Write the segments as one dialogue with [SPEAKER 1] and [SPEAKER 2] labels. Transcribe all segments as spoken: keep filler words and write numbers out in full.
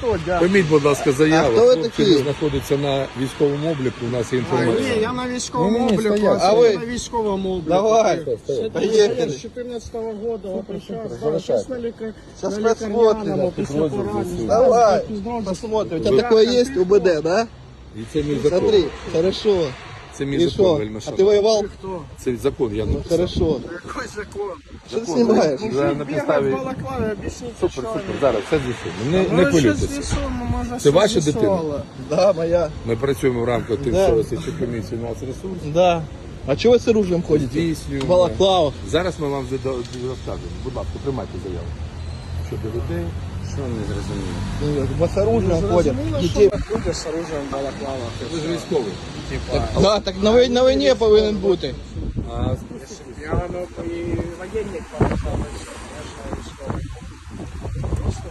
[SPEAKER 1] хто, дядь?
[SPEAKER 2] Прийміть, будь ласка, заяву.
[SPEAKER 3] А хто ви
[SPEAKER 2] Хлопці
[SPEAKER 3] такі?
[SPEAKER 2] знаходяться на військовому обліку, у нас є
[SPEAKER 1] А,
[SPEAKER 2] інформація.
[SPEAKER 1] ні, я на військовому
[SPEAKER 2] Ні, ні,
[SPEAKER 1] обліку,
[SPEAKER 2] стоять.
[SPEAKER 1] а
[SPEAKER 3] А
[SPEAKER 1] ви
[SPEAKER 3] ви?
[SPEAKER 1] на військовому обліку.
[SPEAKER 3] Давай.
[SPEAKER 1] Я
[SPEAKER 3] Поехали.
[SPEAKER 1] з чотирнадцятого года, вот сейчас,
[SPEAKER 2] залишайте.
[SPEAKER 1] сейчас на лікар...
[SPEAKER 3] Сейчас
[SPEAKER 1] на
[SPEAKER 3] посмотрим.
[SPEAKER 1] лікарняному, після
[SPEAKER 2] Підрозділ
[SPEAKER 1] поранення.
[SPEAKER 2] ЗСУ.
[SPEAKER 3] Давай,
[SPEAKER 1] Підрозділ.
[SPEAKER 3] посмотрим. У тебя такое есть, УБД, да?
[SPEAKER 2] І це мій закон.
[SPEAKER 3] Смотри, хорошо.
[SPEAKER 2] Це мій
[SPEAKER 3] И
[SPEAKER 2] закон,
[SPEAKER 3] что?
[SPEAKER 2] вельми
[SPEAKER 3] А ты
[SPEAKER 2] шановний.
[SPEAKER 3] воевал?
[SPEAKER 1] Хто?
[SPEAKER 2] Це закон, я написав.
[SPEAKER 3] Хорошо.
[SPEAKER 1] Який закон?
[SPEAKER 3] Что ты снимаешь?
[SPEAKER 2] За- на
[SPEAKER 1] Бігав
[SPEAKER 2] підставі...
[SPEAKER 1] в балаклаві, об'ясніть,
[SPEAKER 2] Супер,
[SPEAKER 1] що
[SPEAKER 2] супер,
[SPEAKER 1] ви.
[SPEAKER 2] зараз все з'ясуємо. Не,
[SPEAKER 1] Ну,
[SPEAKER 2] не
[SPEAKER 1] ви щось
[SPEAKER 2] хвилюйтеся.
[SPEAKER 1] з'ясуємо, може,
[SPEAKER 2] Це
[SPEAKER 1] щось
[SPEAKER 2] ваша дитина?
[SPEAKER 1] з'ясували.
[SPEAKER 3] Да, моя.
[SPEAKER 2] Ми працюємо в рамках
[SPEAKER 3] Да.
[SPEAKER 2] тимчасової слідчої комісії «Нацресурс».
[SPEAKER 3] Да. А чего вы с оружием ходите?
[SPEAKER 2] Здійснюємо.
[SPEAKER 3] В балаклавах.
[SPEAKER 2] Зараз ми вам зада- розкажемо. Будь ласка, приймайте заяву. Щодо людей. Що не зрозуміло?
[SPEAKER 3] Мы с оружием ходим.
[SPEAKER 1] Зрозуміло,
[SPEAKER 3] Детей.
[SPEAKER 1] що люди з оружием в балаклавах.
[SPEAKER 2] Ви ж військовий.
[SPEAKER 3] Да, так на, вой- на войне повинен бути.
[SPEAKER 2] А
[SPEAKER 1] Я ну, і воєнник показав, я ж військовий. Просто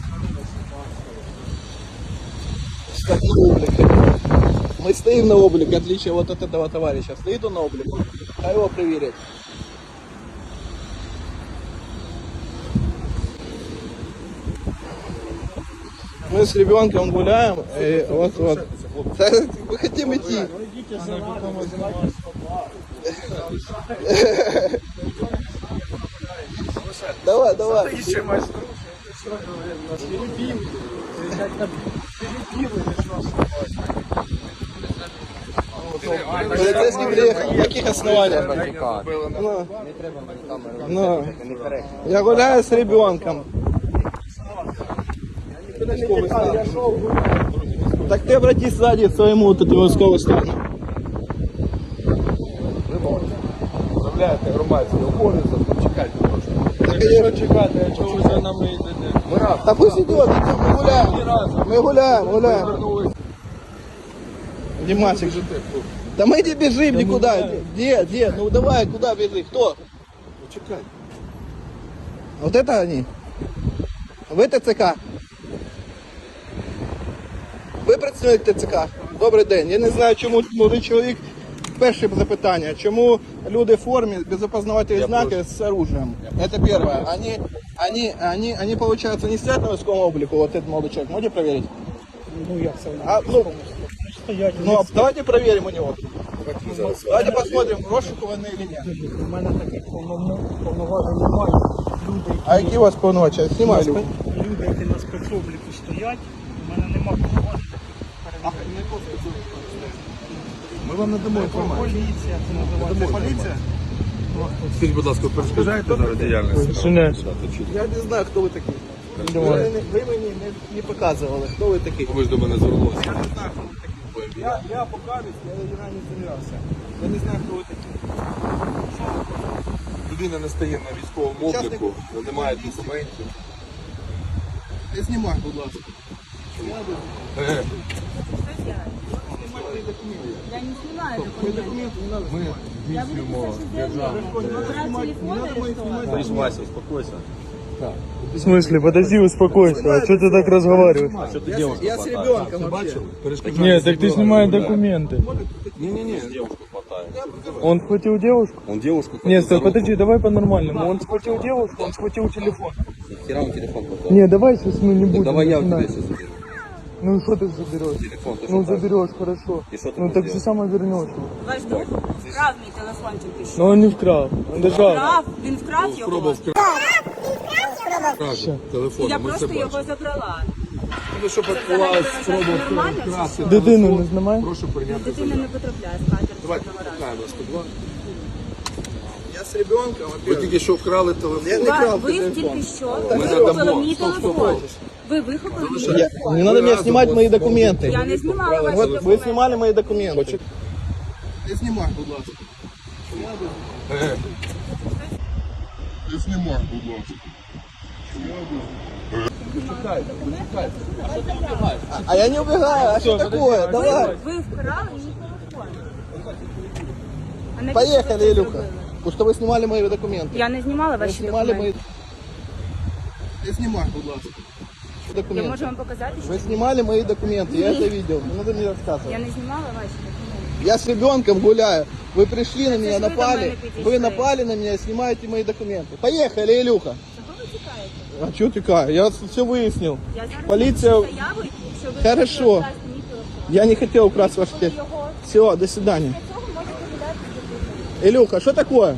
[SPEAKER 3] Как на облик. Мы стоим на облик, в отличие вот от этого товарища. Стоит он на облик. А его проверить. Мы с ребенком гуляем, и вот вот. Да, мы хотим идти.
[SPEAKER 1] идите за нами, вызывайте
[SPEAKER 3] Давай, давай.
[SPEAKER 1] собак. Что говорит, нас перебил. Перебил или что?
[SPEAKER 3] Полицейский приехал. На каких основаниях? Ну, ну. Я гуляю с ребенком.
[SPEAKER 1] Я шел гулять.
[SPEAKER 3] Так ты обратись сзади к своему вот этому військовому стану.
[SPEAKER 2] Виявляєте громадський обов'язок, чекайте трошки.
[SPEAKER 3] Так я
[SPEAKER 1] Чекати, а чого ви за нами йдете?
[SPEAKER 2] Ми раз.
[SPEAKER 3] Да пусть идет, мы гуляем. Мы гуляем, гуляем. Димасик, да мы не бежим никуда. Где, где? Ну давай, куда бежи? Кто?
[SPEAKER 2] Чекай.
[SPEAKER 3] Вот это они? Ви ТЦК? Ви працівник ТЦК? Добрий день. Я не знаю, чому молодий чоловік. Перше запитання. Чому люди в формі без опознавательних знаків з оружием? Это первое. Они, они, они, они, получается, не стоят на військовому облику, вот этот молодой человек. Можете проверить?
[SPEAKER 1] Ну як це?
[SPEAKER 3] А, ну,
[SPEAKER 1] Стоять.
[SPEAKER 3] ну, а давайте проверим у него.
[SPEAKER 2] Давайте ми зараз.
[SPEAKER 3] Давайте посмотрим, розшукуваний или нет.
[SPEAKER 1] У мене таких повноважень повноважень немає. Люди, які,
[SPEAKER 3] А які у вас повноваження? Знімай, Люк.
[SPEAKER 1] люди, які на спецобліку стоять, у мене немає повноважень.
[SPEAKER 2] Ми вам надамо інформацію.
[SPEAKER 1] Поліція, це називається. Поліція?
[SPEAKER 2] Скажіть, будь ласка, перешкоджаєте зараз діяльність?
[SPEAKER 1] Ні.
[SPEAKER 3] Я не знаю, хто ви такі. Ви, не- ви мені не, не показували, хто ви такі.
[SPEAKER 2] Ви ж до мене звернулися.
[SPEAKER 3] Я не знаю, хто ви такі. Я, я покажусь, я не з'являвся. Я не знаю, хто ви такі.
[SPEAKER 2] Людина не стає на військовому обліку, не має документів.
[SPEAKER 3] Не знімай, будь ласка.
[SPEAKER 2] Е,
[SPEAKER 4] Я не снимаю документы.
[SPEAKER 2] Ми
[SPEAKER 4] Я буду
[SPEAKER 2] здійснюємо
[SPEAKER 4] писать заявление. Брать телефон или что?
[SPEAKER 5] Вася, успокойся.
[SPEAKER 1] В смысле? Подожди, успокойся. А что ты так разговариваешь?
[SPEAKER 5] Что ты
[SPEAKER 3] Я,
[SPEAKER 5] девушку
[SPEAKER 3] я с
[SPEAKER 5] хватаешь?
[SPEAKER 3] ребенком вообще.
[SPEAKER 1] Нет, так ты снимай документы.
[SPEAKER 2] Ні-ні-ні.
[SPEAKER 5] Девушку хватает.
[SPEAKER 1] Он схватил девушку?
[SPEAKER 5] Он девушку хватает.
[SPEAKER 1] Нет, стой, подожди, давай по-нормальному. Он схватил девушку, он схватил телефон.
[SPEAKER 5] Хера он телефон хватает.
[SPEAKER 1] Не, давай сейчас мы не будем.
[SPEAKER 5] Давай я у тебя
[SPEAKER 1] начинать.
[SPEAKER 5] сейчас заберу.
[SPEAKER 1] Ну и что ты заберешь?
[SPEAKER 5] Телефон, ты
[SPEAKER 1] Ну
[SPEAKER 5] что так?
[SPEAKER 1] заберешь, хорошо.
[SPEAKER 5] И что ты
[SPEAKER 1] Ну
[SPEAKER 5] будешь
[SPEAKER 1] так же
[SPEAKER 5] делать?
[SPEAKER 1] само вернешь.
[SPEAKER 4] Ваш друг вкрав мій телефончик і що?
[SPEAKER 1] Но он не вкрал, он держал.
[SPEAKER 4] Вкрав? Він вкрав його?
[SPEAKER 2] Спробував вкрасти телефон.
[SPEAKER 4] Я
[SPEAKER 2] Ми це
[SPEAKER 4] просто його
[SPEAKER 2] бачимо.
[SPEAKER 4] забрала.
[SPEAKER 2] Ну, щоб відбувалося спроба
[SPEAKER 4] Нормально чи
[SPEAKER 2] вкрасти
[SPEAKER 4] що?
[SPEAKER 1] Дитину
[SPEAKER 2] телефон,
[SPEAKER 1] не знімай.
[SPEAKER 2] Прошу прийняти
[SPEAKER 4] Дитина
[SPEAKER 2] заяву.
[SPEAKER 4] не потрапляє з катер.
[SPEAKER 2] Давайте викликаємо сто два.
[SPEAKER 3] Я с ребенком,
[SPEAKER 2] Ви
[SPEAKER 3] во-первых.
[SPEAKER 2] тільки що вкрали телефон.
[SPEAKER 3] Я не крав
[SPEAKER 4] Ви
[SPEAKER 3] телефон.
[SPEAKER 4] тільки що
[SPEAKER 2] Ми
[SPEAKER 4] вихопили
[SPEAKER 2] надамо.
[SPEAKER 4] мій
[SPEAKER 2] Стоп, стоп,
[SPEAKER 4] телефон.
[SPEAKER 2] стоп.
[SPEAKER 4] Ви вихопили мій
[SPEAKER 3] Я-
[SPEAKER 4] телефон.
[SPEAKER 3] не надо мне снимать мои документы.
[SPEAKER 4] Я не знімала ваші
[SPEAKER 3] Вот вы
[SPEAKER 4] документи.
[SPEAKER 3] снимали мои документы. Не снимай, будь ласка.
[SPEAKER 2] Е,
[SPEAKER 6] Не знімай, будь ласка.
[SPEAKER 3] А я не убегаю, а что такое? Давай.
[SPEAKER 4] Ви вкрали мій телефон. А навіщо ви
[SPEAKER 3] Поехали,
[SPEAKER 4] це
[SPEAKER 3] Илюха.
[SPEAKER 4] зробили?
[SPEAKER 3] Потому что вы снимали мои документы.
[SPEAKER 4] Я не знімала
[SPEAKER 3] Вы
[SPEAKER 4] ваші
[SPEAKER 3] снимали
[SPEAKER 4] документи.
[SPEAKER 3] мои... Не снимай, будь ласка.
[SPEAKER 4] Я
[SPEAKER 3] Документы.
[SPEAKER 4] можу вам показати, що
[SPEAKER 3] Вы снимали мои документы, я это видел. Не надо мне рассказывать.
[SPEAKER 4] я не знімала ваші документи.
[SPEAKER 3] Я с ребенком гуляю. Вы пришли на меня,
[SPEAKER 4] ж ви до
[SPEAKER 3] напали.
[SPEAKER 4] мене підійшли.
[SPEAKER 3] Вы напали на меня, снимаете мои документы. Поехали, Илюха.
[SPEAKER 4] Чого ви тікаєте?
[SPEAKER 3] А чого тікає? Я все вияснив.
[SPEAKER 4] Я зараз
[SPEAKER 3] Поліція...
[SPEAKER 4] напишу заяву, що ви
[SPEAKER 3] Хорошо.
[SPEAKER 4] хочете вкрасти мій телефон.
[SPEAKER 3] Я не хотів украсть ваш телефон.
[SPEAKER 4] Його.
[SPEAKER 3] Все, до свидания.
[SPEAKER 4] Для цього можете віддати телефон.
[SPEAKER 3] Илюха, что такое?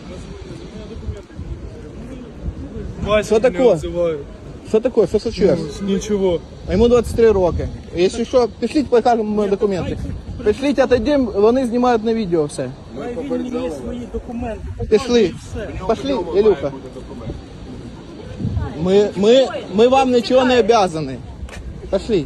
[SPEAKER 3] Что такое? Что такое? Что случилось?
[SPEAKER 1] Нічого.
[SPEAKER 3] А ему двадцять три роки. Если что, пришлите, покажемо документи. Пришліть, отойдем, вони знімають на відео все.
[SPEAKER 1] Він мені свої документи.
[SPEAKER 3] Пішли. Пошли, Илюха. Ми, ми, ми вам нічого не обязаны. Пошли.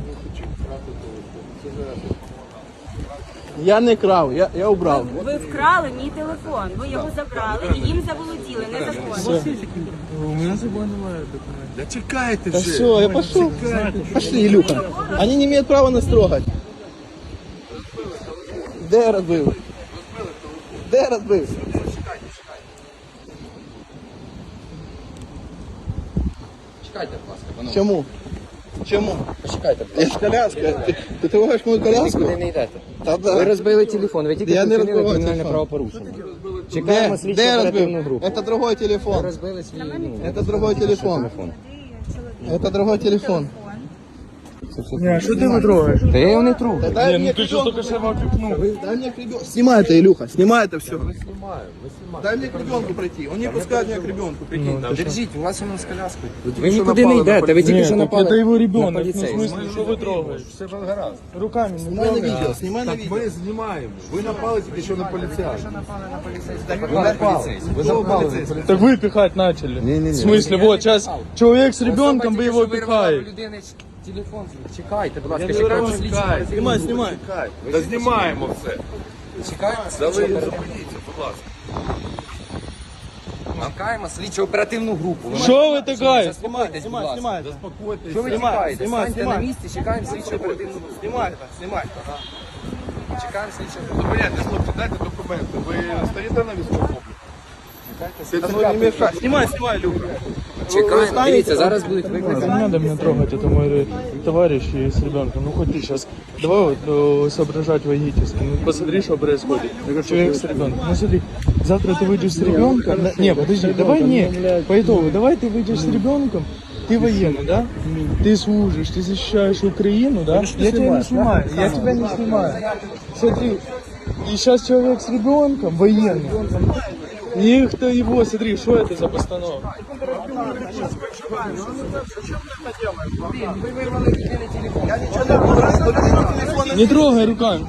[SPEAKER 3] Я не крав, я, я убрав.
[SPEAKER 4] Ви вкрали мій телефон, ви його забрали і їм заволоділи незаконно.
[SPEAKER 1] У мене з собою немає документів.
[SPEAKER 2] Да чекайте
[SPEAKER 3] Да
[SPEAKER 2] вже.
[SPEAKER 3] все, я пошел. Пошли, Илюха. Они не имеют права нас трогать. Де я розбив? Де я розбив?
[SPEAKER 5] Чекайте, будь ласка, панове.
[SPEAKER 3] Чому? Чому?
[SPEAKER 5] Почекайте, будь
[SPEAKER 3] Я ж коляска. Ти, ти трогаєш мою коляску?
[SPEAKER 5] Нікуди не йдете.
[SPEAKER 3] Та
[SPEAKER 5] Ви
[SPEAKER 3] да.
[SPEAKER 5] розбили телефон, ви тільки
[SPEAKER 3] Я не
[SPEAKER 5] вчинили
[SPEAKER 3] розбивав
[SPEAKER 5] кримінальне
[SPEAKER 3] телефон.
[SPEAKER 5] правопорушення.
[SPEAKER 3] Де,
[SPEAKER 5] Чекаємо слідчу
[SPEAKER 3] де я
[SPEAKER 5] оперативну
[SPEAKER 3] розбив?
[SPEAKER 5] групу.
[SPEAKER 3] Это другой
[SPEAKER 5] Ви
[SPEAKER 3] телефон.
[SPEAKER 5] розбили свій, ну,
[SPEAKER 3] Это другой телефон. Это другой телефон.
[SPEAKER 1] Ні, а що ти не трогаєш?
[SPEAKER 5] Та я його не тру.
[SPEAKER 3] Да дай
[SPEAKER 1] Ні,
[SPEAKER 3] мне
[SPEAKER 1] ну ти що
[SPEAKER 3] ребенку.
[SPEAKER 1] тільки що вам пікнув?
[SPEAKER 3] Дай мне к ребенку. Снимай это, Илюха, снимай это все. Дай мне к ребенку пройти. Он не пускает меня к ребенку, прикинь.
[SPEAKER 5] Держіть, у вас воно з коляскою. Ви нікуди не йдете, ви тільки
[SPEAKER 1] Ні,
[SPEAKER 5] що
[SPEAKER 1] так
[SPEAKER 5] напали
[SPEAKER 1] це його
[SPEAKER 5] на
[SPEAKER 1] ребенок. Ну, в
[SPEAKER 5] поліцейського.
[SPEAKER 1] смысле, що ви трогаєш?
[SPEAKER 2] Все ж гаразд.
[SPEAKER 1] Руками не
[SPEAKER 3] Снимай на видео, снимай на
[SPEAKER 2] Так
[SPEAKER 3] видео.
[SPEAKER 2] ми знімаємо. Ви напали тільки що на поліцейського.
[SPEAKER 5] Ви напали поліцейського. Ви напали на поліцейського.
[SPEAKER 1] Так вы пихать начали.
[SPEAKER 2] Не-не-не.
[SPEAKER 1] В смысле, вот сейчас человек с ребенком, вы его пихаете.
[SPEAKER 5] Телефон, чекайте, будь ласка,
[SPEAKER 3] не
[SPEAKER 5] чекаємо
[SPEAKER 3] вирву,
[SPEAKER 5] слідчу
[SPEAKER 3] чекай.
[SPEAKER 5] оперативну
[SPEAKER 3] Снимай,
[SPEAKER 5] групу.
[SPEAKER 3] снимай.
[SPEAKER 2] Та знімаємо все.
[SPEAKER 5] Чекаємо
[SPEAKER 2] Да ви
[SPEAKER 5] слідчу оперативну
[SPEAKER 2] зупиніться, будь ласка.
[SPEAKER 5] Чекаємо слідчу оперативну групу. Ви
[SPEAKER 1] Що ви таке?
[SPEAKER 5] Заспокойтесь, будь
[SPEAKER 3] Снимай,
[SPEAKER 5] ласка.
[SPEAKER 3] снимай это.
[SPEAKER 2] Заспокойтесь.
[SPEAKER 5] Що ви
[SPEAKER 3] Знімай,
[SPEAKER 5] чекаєте?
[SPEAKER 3] знімай,
[SPEAKER 5] Станьте на
[SPEAKER 3] знімай.
[SPEAKER 5] місці, чекаємо слідчу оперативну групу.
[SPEAKER 3] Снимай это, снимай.
[SPEAKER 5] Чекаємо слідчу оперативну
[SPEAKER 2] Зупиняйте, хлопці, дайте документи. Ви стоїте на військовому обліку?
[SPEAKER 3] Да ну не мешай. Снимай, снимай, Илюха.
[SPEAKER 5] Чекаємо, дивіться, зараз будуть
[SPEAKER 1] Не
[SPEAKER 5] викликані.
[SPEAKER 1] надо меня трогать, это мой товарищ и с ребенком. Ну хоть ты сейчас, давай вот э, соображать логически. Ну посмотри, что происходит. Человек с ребенком. Ну смотри, завтра ты выйдешь с ребенком. Не, подожди, давай не, по итогу, давай ты выйдешь с ребенком. Ты военный, да? Ты служишь, ты защищаешь Украину, да? Я тебя не снимаю, я тебя не снимаю. Смотри, и сейчас человек с ребенком, военный. И кто его, смотри, что это за постановка? Не трогай руками.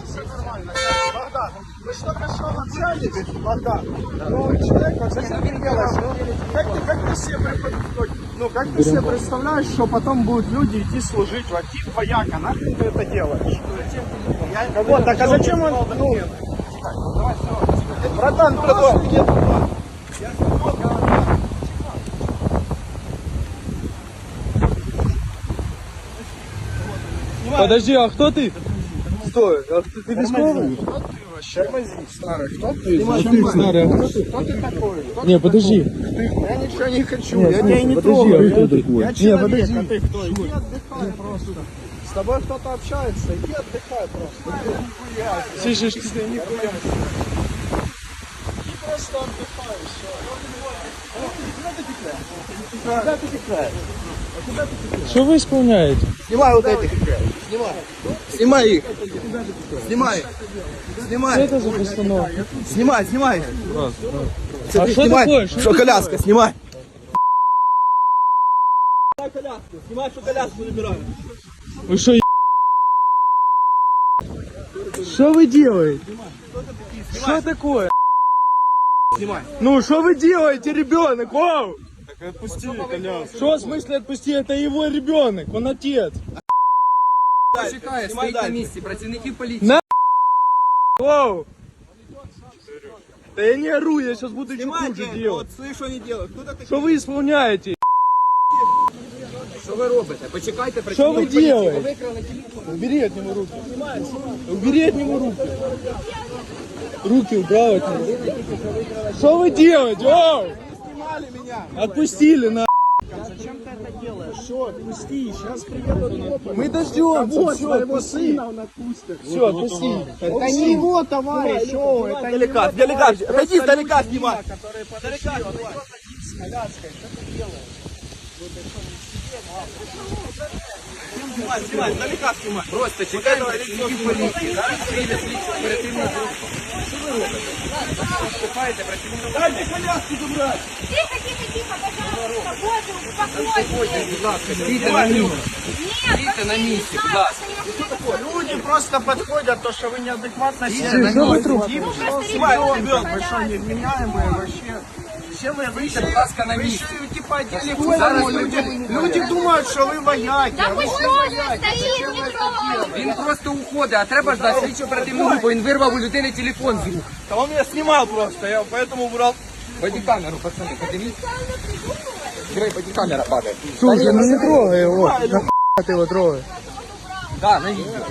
[SPEAKER 7] Как ты, как ты себе, препод- ну, как ты себе представляешь, что потом будут люди идти служить в один вояка? Нахрен ты это делаешь? Я, вот, так а зачем он... Ну, братан, братан, нет.
[SPEAKER 1] Подожди, а кто ты? Стой, а ты, ты військовий?
[SPEAKER 7] Старый, кто ты?
[SPEAKER 1] Ты старый, а кто ты?
[SPEAKER 7] Кто ты такой? Кто
[SPEAKER 1] Не, подожди.
[SPEAKER 7] Я ничего не хочу,
[SPEAKER 1] Нет,
[SPEAKER 7] я
[SPEAKER 1] в
[SPEAKER 7] тебя
[SPEAKER 1] смысле,
[SPEAKER 7] не
[SPEAKER 1] подожди,
[SPEAKER 7] трогаю.
[SPEAKER 1] а кто такой?
[SPEAKER 7] Я
[SPEAKER 1] Не,
[SPEAKER 7] человек,
[SPEAKER 1] подожди.
[SPEAKER 7] а ты кто? Иди отдыхай просто. С тобой кто-то общается, иди отдыхай просто. Нихуя.
[SPEAKER 1] Слышишь, ты-
[SPEAKER 7] Ты нихуя. Иди просто отдыхай, все. Куда ты текаешь?
[SPEAKER 1] что вы исполняете?
[SPEAKER 3] Снимай вот этих. Снимай. Снимай их. Снимай.
[SPEAKER 1] Что
[SPEAKER 3] Снимай.
[SPEAKER 1] это за постановка?
[SPEAKER 3] Снимай, снимай.
[SPEAKER 1] А что
[SPEAKER 3] Снимай.
[SPEAKER 1] такое? Что
[SPEAKER 3] Что
[SPEAKER 1] ты
[SPEAKER 3] коляска, снимай. Снимай коляску. Снимай, что коляску набираю.
[SPEAKER 1] Вы что, е- Что вы делаете? Что такое?
[SPEAKER 3] Снимай.
[SPEAKER 1] Ну, что вы делаете, ребенок? Вау!
[SPEAKER 7] Отпусти коляску.
[SPEAKER 1] Что в смысле отпусти? Это его ребенок, он отец.
[SPEAKER 5] Чекає,
[SPEAKER 3] Знімай
[SPEAKER 5] стоїть на
[SPEAKER 3] далі.
[SPEAKER 5] місці, працівників поліції.
[SPEAKER 1] На- Вау! Да я не ору, я сейчас буду еще хуже
[SPEAKER 3] Снимайте.
[SPEAKER 1] делать.
[SPEAKER 3] Вот слышь, что они делают. Кто такой?
[SPEAKER 1] Что вы исполняете?
[SPEAKER 5] Що ви робите? Почекайте,
[SPEAKER 1] Что вы
[SPEAKER 5] працівників поліції. Ви
[SPEAKER 1] делаете?
[SPEAKER 5] викрали телефон.
[SPEAKER 1] Убери от него руки. Убери от него руки. Руки убрал от него. Что вы делаете? Оу!
[SPEAKER 7] Снимали меня.
[SPEAKER 1] Отпустили на.
[SPEAKER 7] Зачем ты это делаешь? Все, отпусти, сейчас приедут копы.
[SPEAKER 1] Мы дождемся.
[SPEAKER 7] Вот
[SPEAKER 1] Все,
[SPEAKER 7] твоего
[SPEAKER 1] отпусти.
[SPEAKER 7] сына он отпустит.
[SPEAKER 1] Все, отпусти.
[SPEAKER 7] Это не его товарищ, о, это не
[SPEAKER 3] Далека,
[SPEAKER 7] его
[SPEAKER 3] далека.
[SPEAKER 7] товарищ.
[SPEAKER 3] Отойди,
[SPEAKER 7] Просто
[SPEAKER 3] далека
[SPEAKER 7] люди,
[SPEAKER 3] снимай.
[SPEAKER 7] которые подошли, он идет один с коляской. Что ты делаешь?
[SPEAKER 3] Снимай, снимай, далека снимай.
[SPEAKER 5] Просто чекаємо працівників поліції. Зараз прийде слідчо оперативна група. Що ви робите? Вступаєте працівників.
[SPEAKER 3] Дайте коляску забрать.
[SPEAKER 4] Тихо, тихо, тихо, пожалуйста, боже, успокойтесь.
[SPEAKER 5] Будь ласка, стійте на місці. Стійте на місці, будь ласка.
[SPEAKER 7] Люди просто подходят, то, что вы неадекватно
[SPEAKER 5] Стійте
[SPEAKER 7] себя
[SPEAKER 5] на місці.
[SPEAKER 7] ведете. Вы что, невменяемые вообще? Все вы, вы
[SPEAKER 5] Стійте, будь ласка, на
[SPEAKER 7] вы
[SPEAKER 5] місці.
[SPEAKER 7] еще и типа одели
[SPEAKER 5] Зараз
[SPEAKER 7] форму.
[SPEAKER 5] ми
[SPEAKER 7] Люди,
[SPEAKER 5] будемо-
[SPEAKER 7] люди думают, что вы вояки.
[SPEAKER 4] Да
[SPEAKER 7] а
[SPEAKER 4] вы
[SPEAKER 7] вы
[SPEAKER 4] что, стоит, не трогайте.
[SPEAKER 5] Він просто уходить, а треба ждати слідчо оперативну групу. Він вирвав у людини телефон з рук.
[SPEAKER 3] Да он меня снимал просто, я поэтому убрал.
[SPEAKER 5] Бодікамеру, пацани, подивіться. Диви, бодікамера падає.
[SPEAKER 1] Слушай, ну не трогай его. Нахуй ты его трогаешь?
[SPEAKER 5] Да, на відео.